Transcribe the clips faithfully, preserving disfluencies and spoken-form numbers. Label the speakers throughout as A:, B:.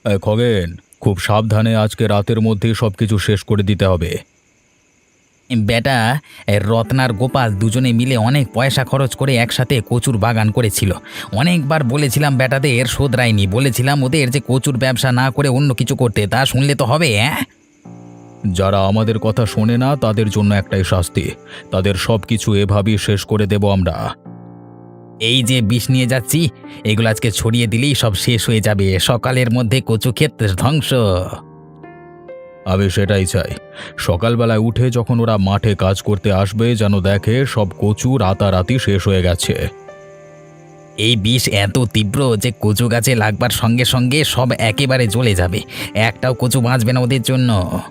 A: এ, খগেন, খুব সাবধানে আজকে রাতের মধ্যেই সবকিছু শেষ করে দিতে হবে।
B: বেটা, এ রত্নার গোপাল দুজনে মিলে অনেক পয়সা খরচ করে একসাথে কচুর বাগান করেছিল। অনেকবার বলেছিলাম বেটাদের শোধরায়নি, বলেছিলাম ওদের যে কচুর ব্যবসা না করে অন্য কিছু করতে, তা শুনলে তো হবে। হ্যাঁ,
A: যারা আমাদের কথা শোনে না তাদের জন্য একটাই শাস্তি, তাদের সব কিছু এভাবেই শেষ করে দেব আমরা।
B: এই যে বিষ নিয়ে যাচ্ছি, এগুলো আজকে ছড়িয়ে দিলেই সব শেষ হয়ে যাবে, সকালের মধ্যে কচু ক্ষেত ধ্বংস।
A: আমি সেটাই চাই, সকালবেলায় উঠে যখন ওরা মাঠে কাজ করতে আসবে যেন দেখে সব কচু রাতারাতি শেষ হয়ে গেছে।
B: এই বিষ এত তীব্র যে কচু গাছে লাগবার সঙ্গে সঙ্গে সব একেবারে জ্বলে যাবে, একটাও কচু বাঁচবে না ওদের জন্য।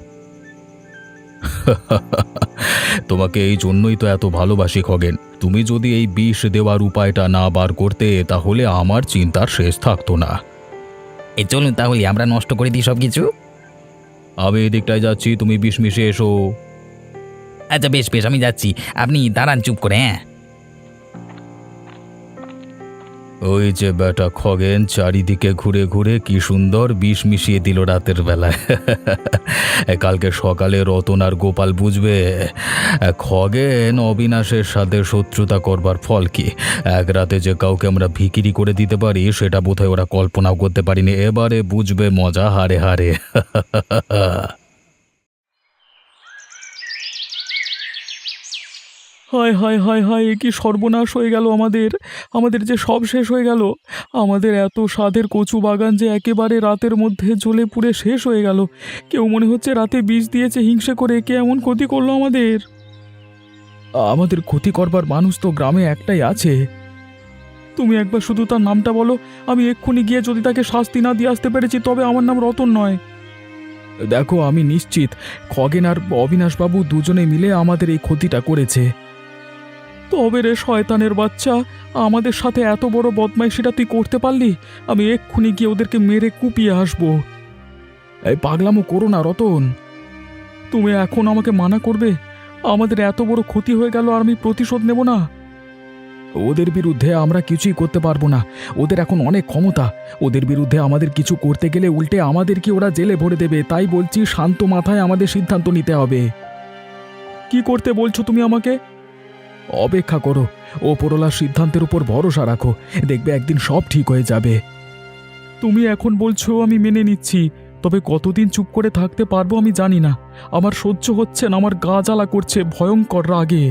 A: তোমাকে এই জন্যই তো এত ভালোবাসি খগেন। তুমি যদি এই বিষ দেওয়ার উপায়টা না বার করতে তাহলে আমার চিন্তার শেষ থাকতো না।
B: এই চলুন তাহলে আমরা নষ্ট করে দিই সব কিছু।
A: আমি এদিকটায় যাচ্ছি, তুমি বিষ মিশিয়ে এসো।
B: আচ্ছা বেশ বেশ, আমি যাচ্ছি, আপনি দাঁড়ান চুপ করে। হ্যাঁ,
A: ওই যে বেটা খগেন চারিদিকে ঘুরে ঘুরে কি সুন্দর বিষ মিশিয়ে দিল রাতের বেলায়। কালকে সকালে রতন আর গোপাল বুঝবে খগেন অবিনাশের সাথে শত্রুতা করবার ফল কি। এক রাতে যে কাউকে আমরা ভিকিরি করে দিতে পারি সেটা বোধহয় ওরা কল্পনাও করতে পারিনি, এবারে বুঝবে মজা হারে হারে।
C: হায় হায় হায় হায়, এ কি সর্বনাশ হয়ে গেল আমাদের! আমাদের যে সব শেষ হয়ে গেল। আমাদের এত স্বাদের কচু বাগান যে একেবারে রাতের মধ্যে জ্বলে পুড়ে শেষ হয়ে গেল। কেউ মনে হচ্ছে রাতে বিষ দিয়েছে হিংসে করে, কে এমন ক্ষতি করলো আমাদের! আমাদের ক্ষতি করবার মানুষ তো গ্রামে একটাই আছে। তুমি একবার শুধু তার নামটা বলো, আমি এক্ষুনি গিয়ে যদি তাকে শাস্তি না দিয়ে আসতে পেরেছি তবে আমার নাম রতন নয়। দেখো, আমি নিশ্চিত খগেন আর অবিনাশবাবু দুজনে মিলে আমাদের এই ক্ষতিটা করেছে। তবে রে শয়তানের বাচ্চা, আমাদের সাথে এত বড় বদমাইশিটা তুই করতে পারলি? আমি এক্ষুনি গিয়ে ওদেরকে মেরে কুপিয়ে আসবো। এই পাগলামো করো না রতন, তুমি এখন আমাকে মানা করবে? আমাদের এত বড় ক্ষতি হয়ে গেল আর আমি প্রতিশোধ নেব না? ওদের বিরুদ্ধে আমরা কিছুই করতে পারবো না, ওদের এখন অনেক ক্ষমতা। ওদের বিরুদ্ধে আমাদের কিছু করতে গেলে উল্টে আমাদেরকে ওরা জেলে ভরে দেবে। তাই বলছি, শান্ত মাথায় আমাদের সিদ্ধান্ত নিতে হবে। কি করতে বলছো তুমি আমাকে? অপেক্ষা করো, ওপরওয়ালার সিদ্ধান্তের উপর ভরসা রাখো, দেখবে একদিন সব ঠিক হয়ে যাবে। তুমি এখন বলছো, আমি মেনে নিচ্ছি, তবে কতদিন চুপ করে থাকতে পারবো আমি জানি না। আমার সহ্য হচ্ছে না, আমার গা জ্বালা করছে ভয়ঙ্কর রাগে।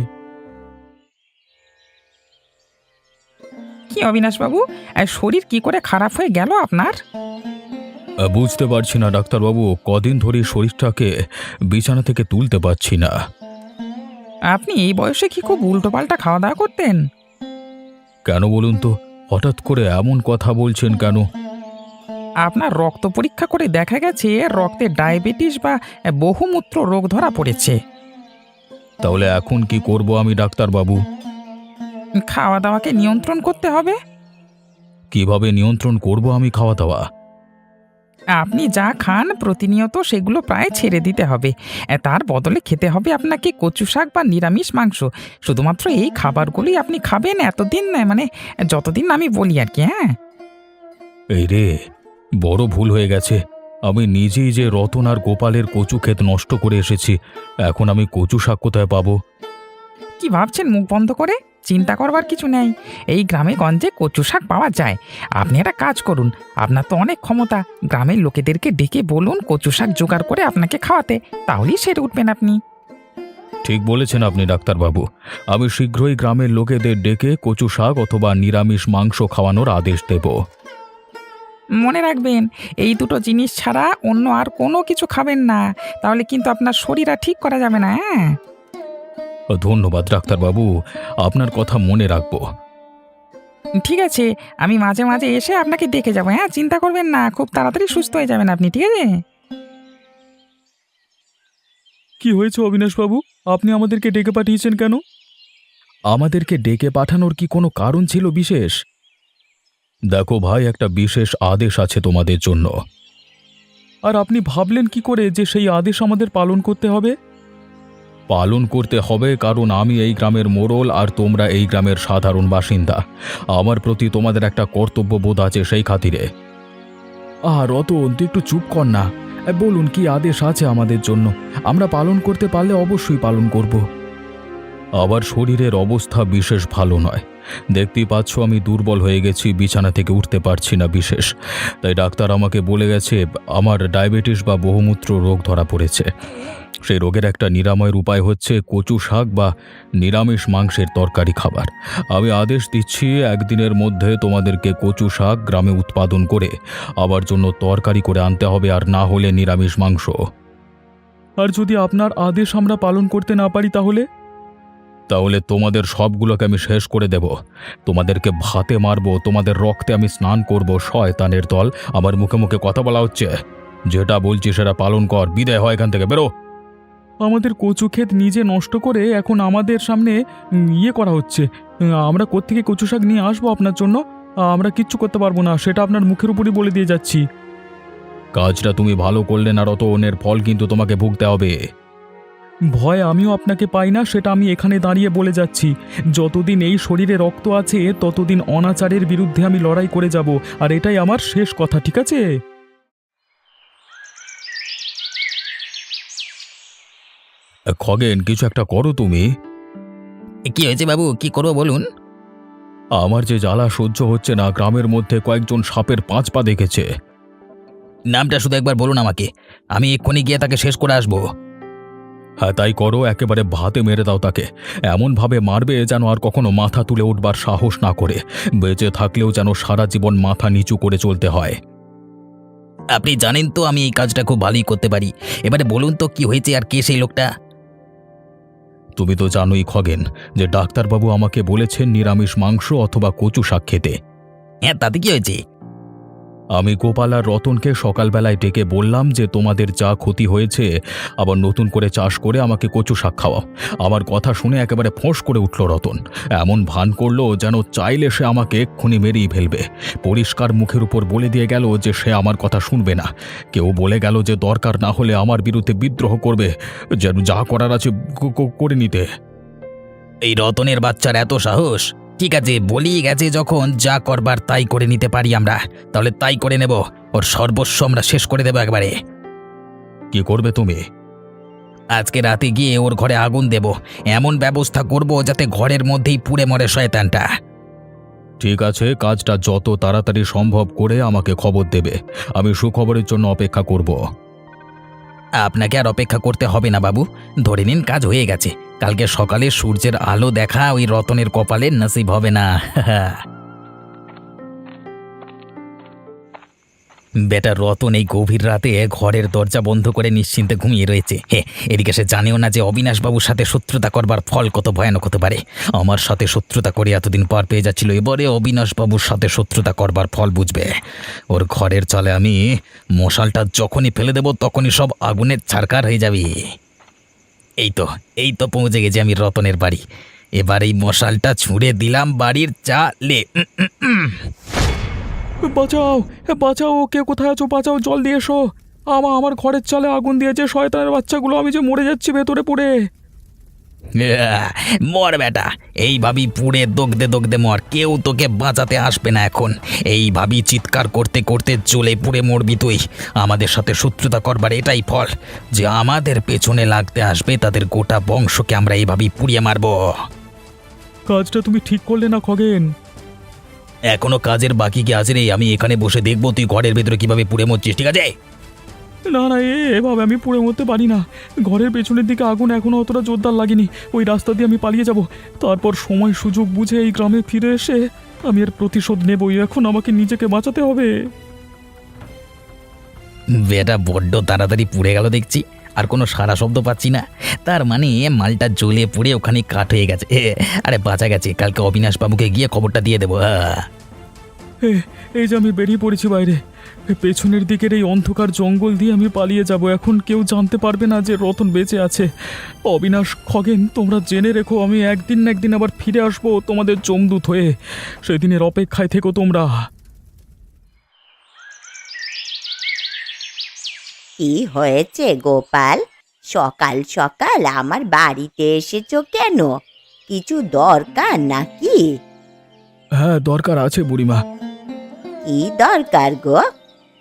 D: কি অবিনাশবাবু, আর শরীর কি করে খারাপ হয়ে গেল আপনার?
A: আহ, বুঝতে পারছি না ডাক্তারবাবু, কদিন ধরে শরীরটাকে বিছানা থেকে তুলতে পারছি না।
D: আপনি এই বয়সে কি খুব উল্টোপাল্টা খাওয়া দাওয়া করতেন?
A: কেন বলুন তো, হঠাৎ করে এমন কথা বলছেন কেন?
D: আপনার রক্ত পরীক্ষা করে দেখা গেছে রক্তে ডায়াবেটিস বা বহুমূত্র রোগ ধরা পড়েছে।
A: তাহলে এখন কি করব আমি ডাক্তারবাবু?
D: খাওয়া দাওয়াকে নিয়ন্ত্রণ করতে হবে।
A: কিভাবে নিয়ন্ত্রণ করব আমি খাওয়া দাওয়া?
D: আপনি যা খান প্রতিনিয়ত সেগুলো প্রায় ছেড়ে দিতে হবে। এ, তার বদলে খেতে হবে আপনাকে কচু শাক বা নিরামিষ মাংস। শুধুমাত্র এই খাবারগুলোই আপনি খাবেন এতদিন, না মানে যতদিন আমি বলি আর কি। হ্যাঁ,
A: এই রে, বড় ভুল হয়ে গেছে। আমি নিজেই যে রতন আর গোপালের কচু ক্ষেত নষ্ট করে এসেছি, এখন আমি কচু শাক কোথায় পাবো?
D: কি ভাবছেন মুখ বন্ধ করে? চিন্তা করবার কিছু নেই, এই গ্রামে গঞ্জে কচু শাক পাওয়া যায়। আপনি একটা কাজ করুন, আপনার তো অনেক ক্ষমতা, গ্রামের লোকেদেরকে ডেকে বলুন কচু শাক জোগাড় করে আপনাকে খাওয়াতে, তাহলেই সেরে উঠবেন আপনি।
A: ঠিক বলেছেন আপনি ডাক্তারবাবু, আমি শীঘ্রই গ্রামের লোকেদের ডেকে কচু শাক অথবা নিরামিষ মাংস খাওয়ানোর আদেশ দেব।
D: মনে রাখবেন, এই দুটো জিনিস ছাড়া অন্য আর কোনো কিছু খাবেন না, তাহলে কিন্তু আপনার শরীর আর ঠিক করা যাবে না। হ্যাঁ,
A: ধন্যবাদ ডাক্তারবাবু, আপনার কথা মনে রাখবো।
D: ঠিক আছে, আমি মাঝে মাঝে এসে আপনাকে দেখে যাবো। হ্যাঁ, চিন্তা করবেন না, খুব তাড়াতাড়ি সুস্থ হয়ে যাবেন আপনি, ঠিক আছে?
C: কি হয়েছে অবিনাশবাবু, আপনি আমাদেরকে ডেকে পাঠিয়েছেন কেন? আমাদেরকে ডেকে পাঠানোর কি কোনো কারণ ছিল বিশেষ?
A: দেখো ভাই, একটা বিশেষ আদেশ আছে তোমাদের জন্য।
C: আর আপনি ভাবলেন কি করে যে সেই আদেশ আমাদের পালন করতে হবে?
A: পালন করতে হবে কারণ আমি এই গ্রামের মোড়ল আর তোমরা এই গ্রামের সাধারণ বাসিন্দা। আমার প্রতি তোমাদের একটা কর্তব্যবোধ আছে সেই খাতিরে।
C: আহ রতন, তুই একটু চুপ কর না। এ, বলুন কি আদেশ আছে আমাদের জন্য? আমরা পালন করতে পারলে অবশ্যই পালন করব।
A: আবার শরীরের অবস্থা বিশেষ ভালো নয়। দেখতেই পাচ্ছ আমি দুর্বল হয়ে গেছি, বিছানা থেকে উঠতে পারছি না বিশেষ। তাই ডাক্তার আমাকে বলে গেছে আমার ডায়াবেটিস বা বহুমূত্র রোগ ধরা পড়েছে। সেই রোগের একটা নিরাময়ের উপায় হচ্ছে কচু শাক বা নিরামিষ মাংসের তরকারি খাবার। আমি আদেশ দিচ্ছি একদিনের মধ্যে তোমাদেরকে কচু শাক গ্রামে উৎপাদন করে আবার জন্য তরকারি করে আনতে হবে, আর না হলে নিরামিষ মাংস।
C: আর যদি আপনার আদেশ আমরা পালন করতে না পারি তাহলে?
A: তাহলে তোমাদের সবগুলোকে আমি শেষ করে দেব। তোমাদেরকে ভাতে মারবো, তোমাদের রক্তে আমি স্নান করব। শয়তানের দল, আমার মুখে মুখে কথা বলা হচ্ছে। যেটা বলছি সেটা পালন কর, বিদায় হয় এখান থেকে, বেরো।
C: আমাদের কচু ক্ষেত নিজে নষ্ট করে এখন আমাদের সামনে উম, ইয়ে করা হচ্ছে। উম, আমরা কোত্থেকে কচু শাক নিয়ে আসবো আপনার জন্য? আমরা কিচ্ছু করতে পারবো না, সেটা আপনার মুখের উপরই বলে দিয়ে যাচ্ছি।
A: কাজটা তুমি ভালো করলে না রতনের ফল কিন্তু তোমাকে ভুগতে হবে।
C: ভয় আমিও আপনাকে পাই না, সেটা আমি এখানে দাঁড়িয়ে বলে যাচ্ছি। যতদিন এই শরীরে রক্ত আছে ততদিন অনাচারের বিরুদ্ধে আমি লড়াই করে যাব, আর এটাই আমার শেষ কথা, ঠিক আছে?
A: খগেন, কিছু একটা করো তুমি।
B: কি হয়েছে বাবু, কি করবো বলুন?
A: আমার যে জ্বালা সহ্য হচ্ছে না, গ্রামের মধ্যে কয়েকজন সাপের পাঁচ পা দেখেছে।
B: নামটা শুধু একবার বলুন আমাকে, আমি এক্ষুনি গিয়ে তাকে শেষ করে আসবো।
A: হ্যাঁ তাই করো, একেবারে ভাতে মেরে দাও তাকে। এমনভাবে মারবে যেন আর কখনো মাথা তুলে উঠবার সাহস না করে। বেঁচে থাকলেও যেন সারা জীবন মাথা নিচু করে চলতে হয়।
B: আপনি জানেন তো আমি এই কাজটা খুব ভালোই করতে পারি। এবারে বলুন তো কি হয়েছে আর কে সেই লোকটা?
A: তুমি তো জানোই খগেন যে ডাক্তারবাবু আমাকে বলেছেন নিরামিষ মাংস অথবা কচু শাক খেতে।
B: হ্যাঁ, তাতে কি হয়েছে?
A: আমি গোপাল আর রতনকে সকালবেলায় ডেকে বললাম যে তোমাদের যা ক্ষতি হয়েছে আবার নতুন করে চাষ করে আমাকে কচু শাক খাওয়াও। আমার কথা শুনে একেবারে ফোঁস করে উঠল রতন। এমন ভান করলো যেন চাইলে সে আমাকে এক্ষুনি মেরেই ফেলবে। পরিষ্কার মুখের উপর বলে দিয়ে গেল যে সে আমার কথা শুনবে না। কেউ বলে গেল যে দরকার না হলে আমার বিরুদ্ধে বিদ্রোহ করবে, যেন যা করার আছে ক- ক- করে নিতে।
B: এই রতনের বাচ্চার এত সাহস! ঠিক আছে, বলিয়ে গেছে যখন, যা করবার তাই করে নিতে পারি আমরা, তাহলে তাই করে নেব। ওর সর্বস্ব আমরা শেষ করে দেবো একবারে।
A: কি করবে তুমি?
B: আজকে রাতে গিয়ে ওর ঘরে আগুন দেব, এমন ব্যবস্থা করব যাতে ঘরের মধ্যেই পুড়ে মরে শয়তানটা।
A: ঠিক আছে, কাজটা যত তাড়াতাড়ি সম্ভব করে আমাকে খবর দেবে। আমি সুখবরের জন্য অপেক্ষা করব।
B: আপনাকে আর অপেক্ষা করতে হবে না বাবু, ধরে নিন কাজ হয়ে গেছে। কালকে সকালে সূর্যের আলো দেখা ওই রতনের কপালে নসিব হবে না। বেটা রতন এই গভীর রাতে ঘরের দরজা বন্ধ করে নিশ্চিন্তে ঘুমিয়ে রয়েছে। হে, এদিকে সে জানেও না যে অবিনাশবাবুর সাথে শত্রুতা করবার ফল কত ভয়ানক হতে পারে। আমার সাথে শত্রুতা করে এতদিন পার পেয়ে যাচ্ছিল, এবারে অবিনাশবাবুর সাথে শত্রুতা করবার ফল বুঝবে। ওর ঘরের চালে আমি মশালটা যখনই ফেলে দেব তখনই সব আগুনের ছারকার হয়ে যাবে। এই তো এই তো পৌঁছে গেছি আমি রতনের বাড়ি। এবার এই মশালটা ছুঁড়ে দিলাম বাড়ির চালে। উম, উম, উম।
C: বাঁচাও, বাঁচাও, কে কোথায় আছো? বাঁচাও, জল দিয়ে এসো। আমা আমার ঘরের চালে আগুন দিয়েছে শয়তানের বাচ্চাগুলো, আমি যে মরে যাচ্ছি ভেতরে পুড়ে।
B: আহ, মর বেটা, এইভাবেই পুড়ে দগদে দগদে মর, কেউ তোকে বাঁচাতে আসবে না এখন। এইভাবেই চিৎকার করতে করতে জ্বলে পুড়ে মরবি তুই। আমাদের সাথে শত্রুতা করবার এটাই ফল, যে আমাদের পেছনে লাগতে আসবে তাদের গোটা বংশকে আমরা এইভাবেই পুড়িয়ে মারব।
C: কাজটা তুমি ঠিক করলে না খগেন?
B: এখনো কাজের বাকি কি আছে রে? আমি এখানে বসে দেখবো তুই ঘরের ভেতরে কিভাবে পুড়ে মরছিস, ঠিক আছে?
C: না না, এ এভাবে আমি পুড়ে মরতে পারি না। ঘরের পেছনের দিকে আগুন এখনো অতটা জোরদার লাগেনি, ওই রাস্তা দিয়ে আমি পালিয়ে যাব। তারপর সময় সুযোগ বুঝে এই গ্রামে ফিরে এসে আমি এর প্রতিশোধ নেবই। এখন আমাকে নিজেকে বাঁচাতে হবে।
B: বেটা বড্ড তাড়াতাড়ি পুড়ে গেল দেখছি, আর কোনো সারা শব্দ পাচ্ছি না। তার মানে মালটা জ্বলে পুড়ে ওখানে কাঠ হয়ে গেছে। এ, আরে বাঁচা গেছে, কালকে অবিনাশবাবুকে গিয়ে খবরটা দিয়ে দেবো। আহ।
C: এ, এই যে আমি বেরিয়ে পড়েছি বাইরে। এ, পেছনের দিকের এই অন্ধকার জঙ্গল দিয়ে আমি পালিয়ে যাব। এখন কেউ জানতে পারবে না যে রতন বেঁচে আছে। অবিনাশ, খগেন, তোমরা জেনে রেখো আমি একদিন না একদিন আবার ফিরে আসবো তোমাদের জমদূত হয়ে। সেদিনের অপেক্ষায় থেকো তোমরা।
E: কি হয়েছে গোপাল? সকাল সকাল আমার বাড়িতে এসেছো কেন? কিছু দরকার নাকি?
C: হ্যাঁ, দরকার আছে বুড়িমা।
E: কি দরকার গো?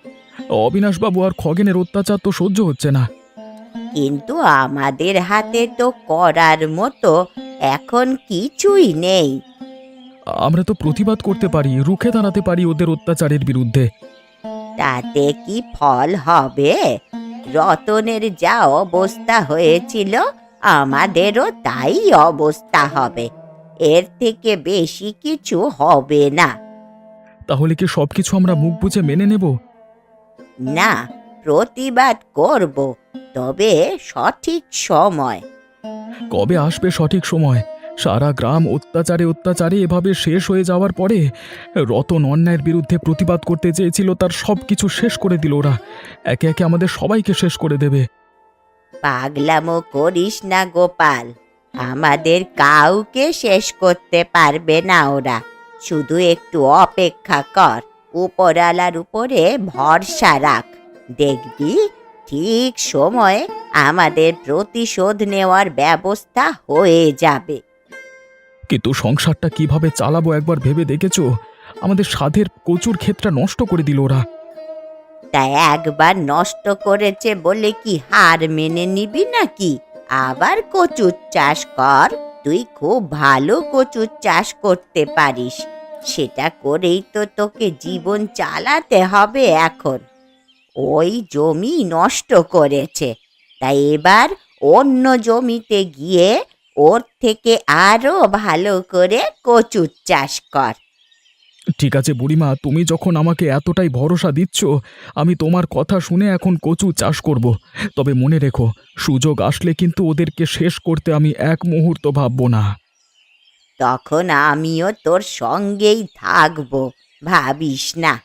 C: অবিনাশবাবু আর খগেনের অত্যাচার তো সহ্য হচ্ছে না।
E: কিন্তু আমাদের হাতে তো করার মতো এখন কিছুই নেই।
C: আমরা তো প্রতিবাদ করতে পারি, রুখে দাঁড়াতে পারি ওদের অত্যাচারের বিরুদ্ধে।
E: তাতে কি ফল হবে? রতনের যা অবস্থা হয়েছিল আমাদেরও তাই অবস্থা হবে। এর থেকে বেশি কিছু হবে না।
C: তাহলে কি সবকিছু আমরা মুখ বুজে মেনে নেব?
E: না, প্রতিবাদ করব, তবে সঠিক সময়।
C: কবে আসবে সঠিক সময়? সারা গ্রাম অত্যাচারে অত্যাচারে এভাবে শেষ হয়ে যাওয়ার পরে রতন অন্যায়ের বিরুদ্ধে প্রতিবাদ করতে চেয়েছিল, তার সব কিছু শেষ করে দিল ওরা। একে একে আমাদের সবাইকে শেষ করে দেবে।
E: পাগলামো করিস না গোপাল, আমাদের কাউকে শেষ করতে পারবে না ওরা। শুধু একটু অপেক্ষা কর, উপরালার উপরে ভরসা রাখ, দেখবি ঠিক সময়ে আমাদের প্রতিশোধ নেওয়ার ব্যবস্থা হয়ে যাবে।
C: কিন্তু সংসারটা কিভাবে চালাবো একবার ভেবে দেখেছো? আমাদের সাধের কচুর ক্ষেতটা নষ্ট করে দিল ওরা।
E: তা একবার নষ্ট করেছে বলে কি হার মেনে নিবি নাকি? আবার কচুর চাষ কর, তুই খুব ভালো কচুর চাষ করতে পারিস। সেটা করেই তো তোকে জীবন চালাতে হবে এখন। ওই জমি নষ্ট করেছে, তাই এবার অন্য জমিতে গিয়ে ওর থেকে আরো ভালো করে কচুর চাষ কর।
C: ঠিক আছে বুড়িমা, তুমি যখন আমাকে এতটাই ভরসা দিচ্ছ, আমি তোমার কথা শুনে এখন কচু চাষ করব। তবে মনে রেখো, সুযোগ আসলে কিন্তু ওদেরকে শেষ করতে আমি এক মুহূর্ত ভাববো না।
E: তখন আমিও তোর সঙ্গেই থাকবো, ভাবিস না।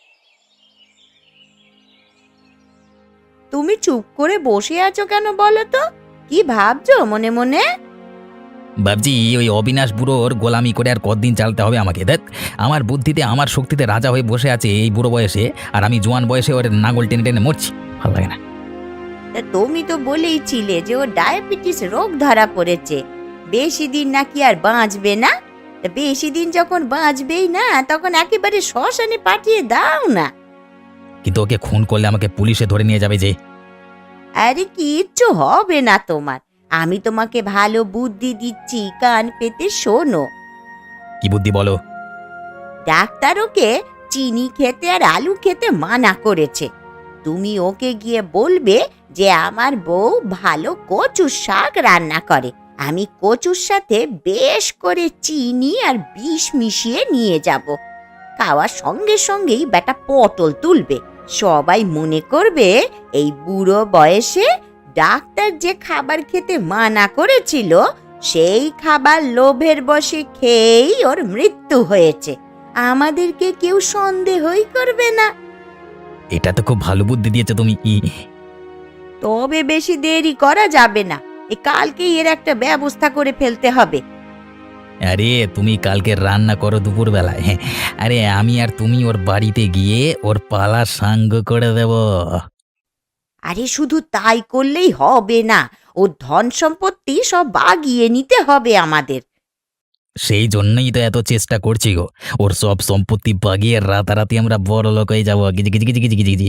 E: তুমি চুপ করে বসে আছো কেন বলো তো? কি ভাবছো মনে মনে?
B: ভাবছি ওই অবিনাশ বুড়োর গোলামি করে আর কতদিন চালাতে হবে আমাকে। দেখ, আমার বুদ্ধিতে আমার শক্তিতে রাজা হয়ে বসে আছে এই বুড়ো বয়সে, আর আমি জোয়ান বয়সে ওর নাঙল টেনে টেনে মরছি। ভালো লাগে না।
E: তা তুমি তো বলেই ছিলে যে ও ডায়াবেটিস রোগ ধরা পড়েছে, বেশি দিন নাকি আর বাঁচবে না। তা বেশি দিন যখন বাঁচবেই না, তখন একেবারে শ্মশানে পাঠিয়ে দাও না।
B: কিন্তু ওকে খুন করলে আমাকে পুলিশে ধরে নিয়ে যাবে যে।
E: আরে কিচ্ছু হবে না তোমার, আমি তোমাকে ভালো বুদ্ধি দিচ্ছি, কান পেতে শোনো।
B: কি বুদ্ধি বলো?
E: ডাক্তার ওকে চিনি খেতে আর আলু খেতে মানা করেছে। তুমি ওকে গিয়ে বলবে যে আমার বউ ভালো কচুর শাক রান্না করে, আমি কচুর সাথে বেশ করে চিনি আর বিষ মিশিয়ে নিয়ে যাব। খাওয়ার সঙ্গে সঙ্গেই বেটা পটল তুলবে, সবাই মনে করবে এই বুড়ো বয়সে ডাক্তার যে খাবার খেতে মানা করেছিল সেই খাবার লোভের বশে খেয়েই ওর মৃত্যু হয়েছে। আমাদেরকে কেউ সন্দেহই করবে না।
B: এটা তো খুব ভালো বুদ্ধি দিয়েছো তুমি।
E: তবে বেশি দেরি করা যাবে না, এ কালকেই এর একটা ব্যবস্থা করে ফেলতে হবে।
B: আরে তুমি কালকে রান্না করো দুপুর বেলায়। হ্যাঁ, আরে আমি আর তুমি ওর বাড়িতে গিয়ে ওর পালা সাঙ্গ করে দেব।
E: আরে শুধু তাই করলেই হবে না, ও ধন সম্পত্তি সব বাগিয়ে নিতে হবে আমাদের।
B: সেই জন্যই তো এত চেষ্টা করছি গো, ওর সব সম্পত্তি বাগিয়ে রাতারাতি আমরা বড় লোক হয়ে যাবো। গিজি গিজি গিজি গিজি গিজি গিজি।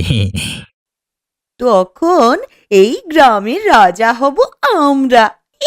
E: তখন এই গ্রামের রাজা হব আমরা।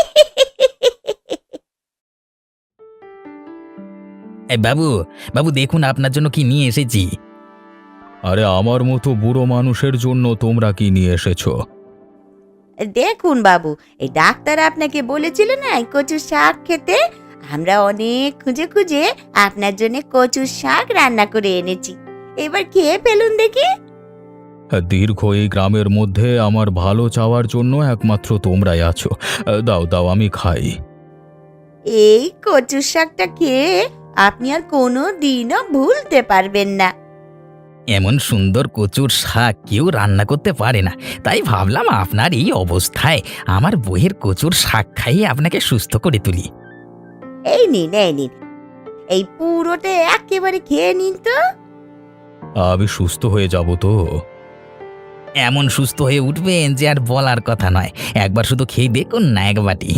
B: এই বাবু, বাবু দেখুন আপনার জন্য কি নিয়ে এসেছি।
A: আরে আমার মতো বুড়ো মানুষের জন্য তোমরা কি নিয়ে এসেছো?
E: দেখুন বাবু, এই ডাক্তার আপনাকে বলেছিল না এই কচুর শাক খেতে, আমরা অনেক খুঁজে খুঁজে আপনার জন্য কচুর শাক রান্না করে এনেছি, এবার খেয়ে ফেলুন দেখি।
A: দীর্ঘ এই গ্রামের মধ্যে আমার ভালো চাওয়ার জন্য একমাত্র তোমরাই আছো। দাও দাও, আমি খাই।
E: এই কচুর শাকটা খেয়ে আপনি আর কোনো দিনও ভুলতে পারবেন না।
B: এমন সুন্দর কচুর শাক কেউ রান্না করতে পারে না, তাই ভাবলাম আপনার এই অবস্থায় আমার বইয়ের কচুর শাক খাইয়ে আপনাকে সুস্থ করে তুলি।
E: এই নিন, এই নিন, এই পুরোটা একেবারে খেয়ে নিন তো।
A: আমি সুস্থ হয়ে যাব তো?
B: এমন সুস্থ হয়ে উঠবেন যে আর বলার কথা নয়। একবার শুধু খেয়ে দেখুন না এক বাটি।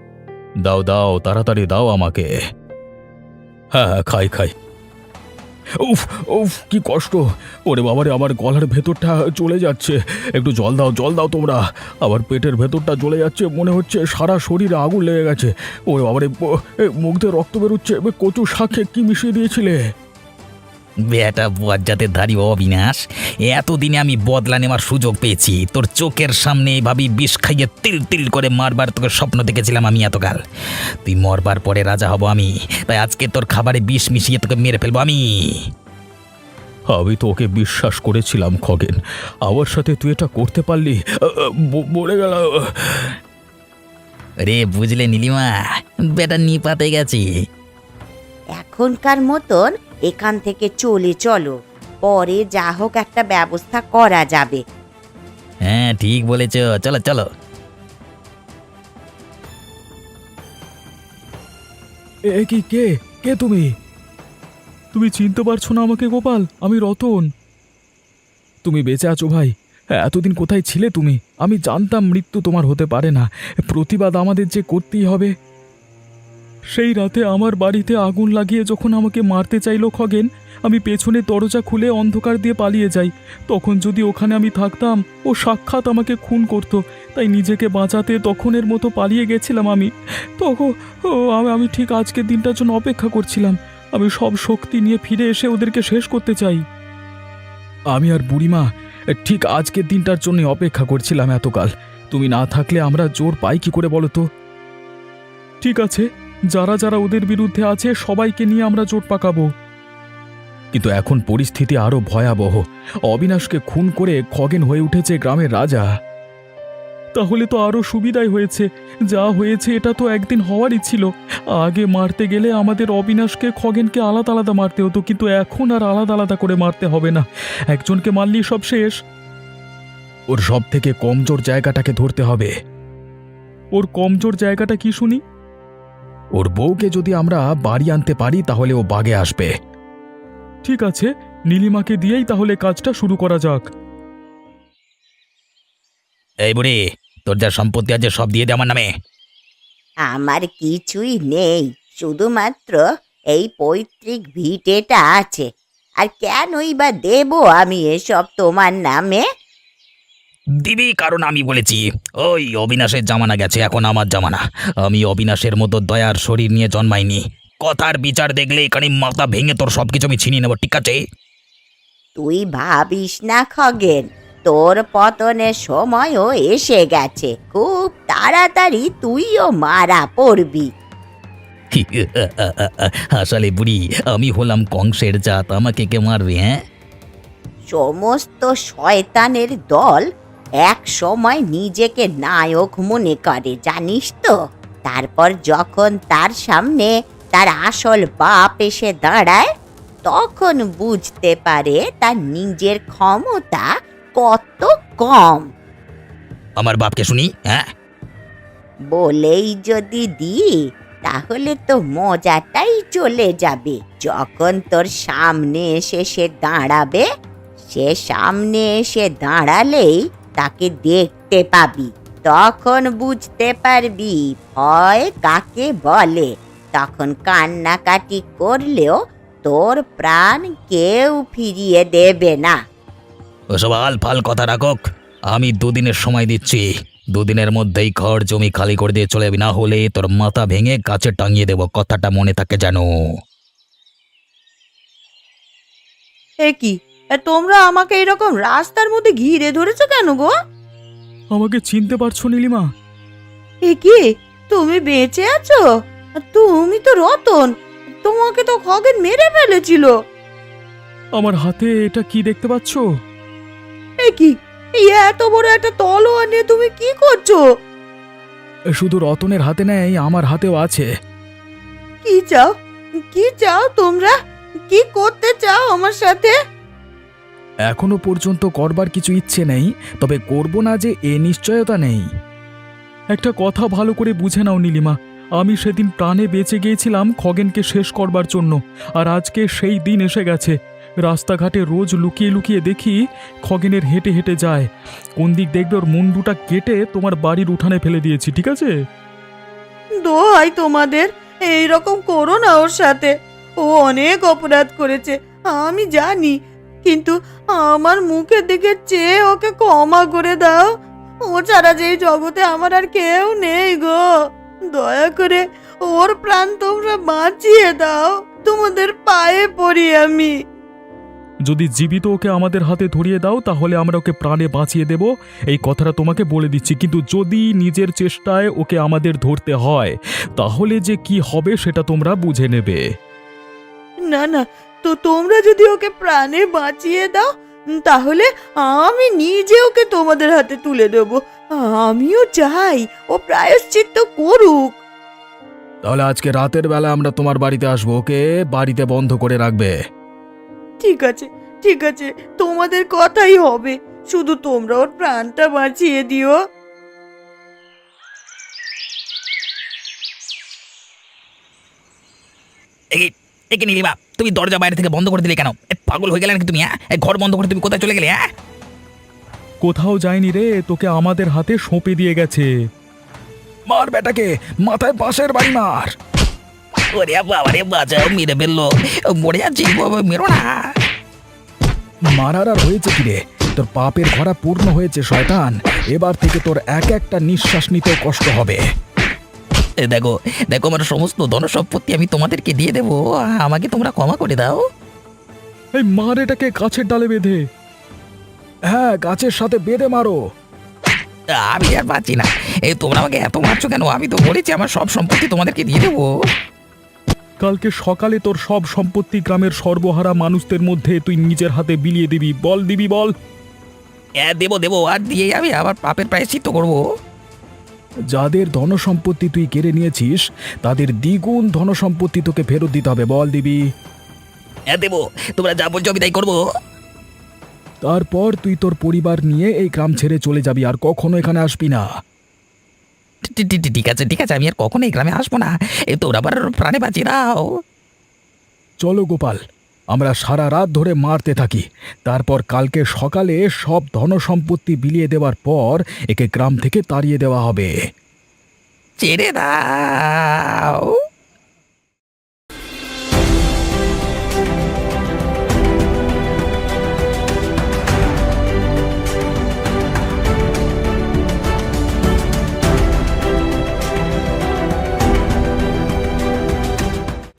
A: দাও দাও, তাড়াতাড়ি দাও আমাকে। হ্যাঁ হ্যাঁ, খাই খাই।
C: উফ উফ কি কষ্ট! ওরে বাবারে, আমার গলার ভেতরটা চলে যাচ্ছে। একটু জল দাও, জল দাও তোমরা। আবার পেটের ভেতরটা জ্বলে যাচ্ছে, মনে হচ্ছে সারা শরীরে আগুন লেগে গেছে। ওরে বাবারে, ব- এ, মুখ দিয়ে রক্ত বেরোচ্ছে। এ, কচু শাকে কি মিশিয়ে দিয়েছিলে?
B: বেটা বজ্জাতের ধারী অবিনাশ, এতদিনে আমি বদলা নেওয়ার সুযোগ পেয়েছি। তোর চোখের সামনে এভাবেই বিষ খাইয়ে তিল তিল করে মারবার তোকে স্বপ্ন দেখেছিলাম আমি এতকাল। তুই মরবার পরে রাজা হব আমি, তাই আজকে তোর খাবারে বিষ মিশিয়ে তোকে মেরে ফেলবো আমি।
C: আমি তো ওকে বিশ্বাস করেছিলাম খগেন, আমার সাথে তুই এটা করতে পারলি। আ, আ, ব- মরে গেল।
B: রে বুঝলে নীলিমা, বেটা নিপাতে গেছি।
E: এখনকার মতন এখান থেকে চলে চলো, পরে যা হোক একটা ব্যবস্থা করা যাবে।
B: হ্যাঁ ঠিক বলেছ, চলো চলো।
C: এ কি, কে কে তুমি? তুমি চিনতে পারছো না আমাকে গোপাল? আমি রতন। তুমি বেঁচে আছো ভাই? এতদিন কোথায় ছিলে তুমি? আমি জানতাম মৃত্যু তোমার হতে পারে না, প্রতিবাদ আমাদের যে করতেই হবে। সেই রাতে আমার বাড়িতে আগুন লাগিয়ে যখন আমাকে মারতে চাইলো খগেন, আমি পেছনে দরজা খুলে অন্ধকার দিয়ে পালিয়ে যাই। তখন যদি ওখানে আমি থাকতাম, ও সাক্ষাৎ আমাকে খুন করত। তাই নিজেকে বাঁচাতে তখনের মতো পালিয়ে গেছিলাম আমি। তখন ও আমি আমি ঠিক আজকের দিনটার জন্য অপেক্ষা করছিলাম। আমি সব শক্তি নিয়ে ফিরে এসে ওদেরকে শেষ করতে চাই। আমি আর বুড়িমা ঠিক আজকের দিনটার জন্য অপেক্ষা করছিলাম এতকাল। তুমি না থাকলে আমরা জোর পাই কি করে বলো তো? ঠিক আছে, যারা যারা ওদের বিরুদ্ধে আছে সবাইকে নিয়ে আমরা জোট পাকাবো। কিন্তু এখন পরিস্থিতি আরো ভয়াবহ। অবিনাশকে খুন করে খগেন হয়ে উঠেছে গ্রামের রাজা। তাহলে তো আরো সুবিধাই হয়েছে। যা হয়েছে এটা তো একদিন হওয়ারই ছিল। আগে মারতে গেলে আমাদের অবিনাশকে খগেনকে আলাদা আলাদা মারতে হতো, কিন্তু এখন আর আলাদা আলাদা করে মারতে হবে না। একজনকে মারলেই সব শেষ। ওর সব থেকে কমজোর জায়গাটাকে ধরতে হবে। ওর কমজোর জায়গাটা কি শুনি? ওর বউকে যদি আমরা বাড়ি আনতে পারি তাহলে ও বাগে আসবে। ঠিক আছে, নীলিমাকে দিয়েই তাহলে কাজটা শুরু করা যাক।
B: এই বুড়ি, তোর যা সম্পত্তি আছে সব দিয়ে দে আমার নামে।
E: আমার কিছুই নেই, শুধুমাত্র এই পৈতৃক ভিটেটা আছে। আর কেনই বা দেব আমি এসব তোমার নামে?
B: দিবি কারণ আমি বলেছি। ওই অবিনাশের জামানা গেছে, এখন আমার জামানা। আমি অবিনাশের মতো দয়ার শরীর নিয়ে জন্মাইনি। কথার বিচার দেখলে এখানে মাথা ভেঙে তোর সবকিছু আমি ছিনিয়ে নেব, ঠিক আছে?
E: তুই ভাবিস না খগেন, তোর পতনের সময়ও এসে গেছে। খুব তাড়াতাড়ি তুইও মারা পড়বি।
B: আসলে বুড়ি, আমি হলাম কংসের জাত, আমাকে কে মারবে? হ্যাঁ,
E: সমস্ত শয়তানের দল এক সময় নিজেকে নায়ক মনে করে, জানিস তো? তারপর যখন তার সামনে তার আসল বাপ এসে দাঁড়ায়, তখন বুঝতে পারে তার নিজের ক্ষমতা কত কম।
B: আমার বাপকে শুনি। হ্যাঁ,
E: বলেই যদি দিই তাহলে তো মজাটাই চলে যাবে। যখন তোর সামনে এসে সে দাঁড়াবে, সে সামনে এসে দাঁড়ালেই তাকে দেখতে পাবি, তখন বুঝতে পারবি ভয় কাকে বলে। তখন কান্নাকাটি করলেও তোর প্রাণ কেউ ফিরিয়ে দেবে না।
B: ওসব আলফাল কথা রাখক। আমি দুদিনের সময় দিচ্ছি, দুদিনের মধ্যেই ঘর জমি খালি করে দিয়ে চলে যাবি, না হলে তোর মাথা ভেঙে গাছে টাঙিয়ে দেবো, কথাটা মনে থাকে যেন।
F: এ কি, এ তোমরা আমাকে এরকম রাস্তার মধ্যে ঘিরে ধরেছো কেন গো?
C: আমাকে চিনতে পারছো নীলিমা?
F: এ কি, তুমি বেঁচে আছো? তুমি তো রতন, তোমাকে তো খগেন মেরে ফেলেছিল।
C: আমার হাতে এটা কি দেখতে পাচ্ছ?
F: এ কি, এই এত বড় একটা তলোয়ার নিয়ে তুমি কি করছো?
C: শুধু রতনের হাতে নেই, আমার হাতেও আছে।
F: কি চাও, কি চাও তোমরা? কি করতে চাও আমার সাথে?
C: এখনো পর্যন্ত করবার কিছু ইচ্ছে নেই, তবে করব না যে এ নিশ্চয়তা নেই। একটা কথা ভালো করে বুঝে নাও নীলিমা, আমি সেদিন প্রাণে বেঁচে গিয়েছিলাম খগেনকে শেষ করবার জন্য, আর আজকে সেই দিন এসে গেছে। রাস্তাঘাটে রোজ লুকিয়ে লুকিয়ে দেখি খগেনের হেঁটে হেঁটে যায়। কোন দিক দেখবে ওর মুন্ডুটা কেটে তোমার বাড়ির উঠানে ফেলে দিয়েছি, ঠিক আছে?
F: দোহাই তোমাদের, এইরকম করো না ওর সাথে। ও অনেক অপরাধ করেছে, আমি জানি, কিন্তু আমার মুখের দিকে চেয়ে ওকে ক্ষমা করে দাও। ও ছাড়া যে এই জগতে আমার আর কেউ নেই গো। দয়া করে ওর প্রাণ তোমরা বাঁচিয়ে দাও, তোমাদের পায়ে পড়ি আমি।
C: যদি জীবিত ওকে আমাদের হাতে ধরিয়ে দাও তাহলে আমরা ওকে প্রাণে বাঁচিয়ে দেব, এই কথাটা তোমাকে বলে দিচ্ছি। কিন্তু যদি নিজের চেষ্টায় ওকে আমাদের ধরতে হয় তাহলে যে কি হবে সেটা তোমরা বুঝে নেবে।
F: না না, তো তোমরা যদি ওকে প্রাণে বাঁচিয়ে দাও তাহলে আমি নিজে ওকে তোমাদের হাতে তুলে দেব। আমিও চাই ও প্রায়শ্চিত্ত করুক।
A: তাহলে আজকে রাতের বেলা আমরা তোমার বাড়িতে আসবো, ওকে বাড়িতে বন্ধ করে রাখবে।
F: ঠিক আছে, ঠিক আছে, তোমাদের কথাই হবে, শুধু তোমরা ওর প্রাণটা বাঁচিয়ে দিও।
B: একে একে নীলিমা, তুমি দরজা বাইরে থেকে বন্ধ করে দিলে কেন? এ, পাগল হয়ে গেলে নাকি তুমি? হ্যাঁ, এ, ঘর বন্ধ করে তুমি কোথায় চলে গেলে? হ্যাঁ,
C: কোথাও যায়নি রে, তোকে আমাদের হাতে সঁপে দিয়ে গেছে।
A: মার বেটাকে, মাথায় বাঁশের বাড়ি মার।
B: ওরে বাবা রে, বাঁচাও, মেরে ফেললো, মরে যাচ্ছি, বাবা, মেরো না।
A: মারার আর হয়েছে কি রে? তোর পাপের ঘরা পূর্ণ হয়েছে শয়তান। এবার থেকে তোর এক একটা নিঃশ্বাস নিতেও কষ্ট হবে।
B: এ, দেখো দেখো, আমার সমস্ত ধনসম্পত্তি আমি তোমাদেরকে দিয়ে দেবো, আমাকে তোমরা ক্ষমা করে দাও।
C: এই মার এটাকে গাছের ডালে বেঁধে।
A: হ্যাঁ, গাছের সাথে বেঁধে মারো।
B: আমি আর পাচ্ছি না, এই তোমরা আমাকে এত মারছো কেন? আমি তো বলেছি আমার সব সম্পত্তি তোমাদেরকে দিয়ে দেবো।
C: কালকে সকালে তোর সব সম্পত্তি গ্রামের সর্বহারা মানুষদের মধ্যে তুই নিজের হাতে বিলিয়ে দিবি। বল দিবি বল?
B: হ্যাঁ, দেবো দেবো, আর দিয়ে আমি আবার পাপের প্রায়শ্চিত্ত করবো।
A: যাদের ধনসম্পত্তি তুই কেড়ে নিয়েছিস তাদের দ্বিগুণ ধনসম্পত্তি তোকে ফেরত দিতে হবে। বল দিবি?
B: হ্যাঁ দেবো, তোমরা যা বলছো আমি তাই করবো।
A: তারপর তুই তোর পরিবার নিয়ে এই গ্রাম ছেড়ে চলে যাবি, আর কখনো এখানে আসবি না।
B: ঠিক- ঠিক- ঠিক আছে, ঠিক আছে, আমি আর কখনো এই গ্রামে আসবো না। এই তোমরা আবার প্রাণে বাঁচিয়ে দাও।
A: চলো গোপাল, আমরা সারা রাত ধরে মারতে থাকি। তারপর কালকে সকালে সব ধনসম্পত্তি বিলিয়ে দেওয়ার পর একে গ্রাম থেকে তাড়িয়ে দেওয়া হবে।
B: ছেড়ে দাও।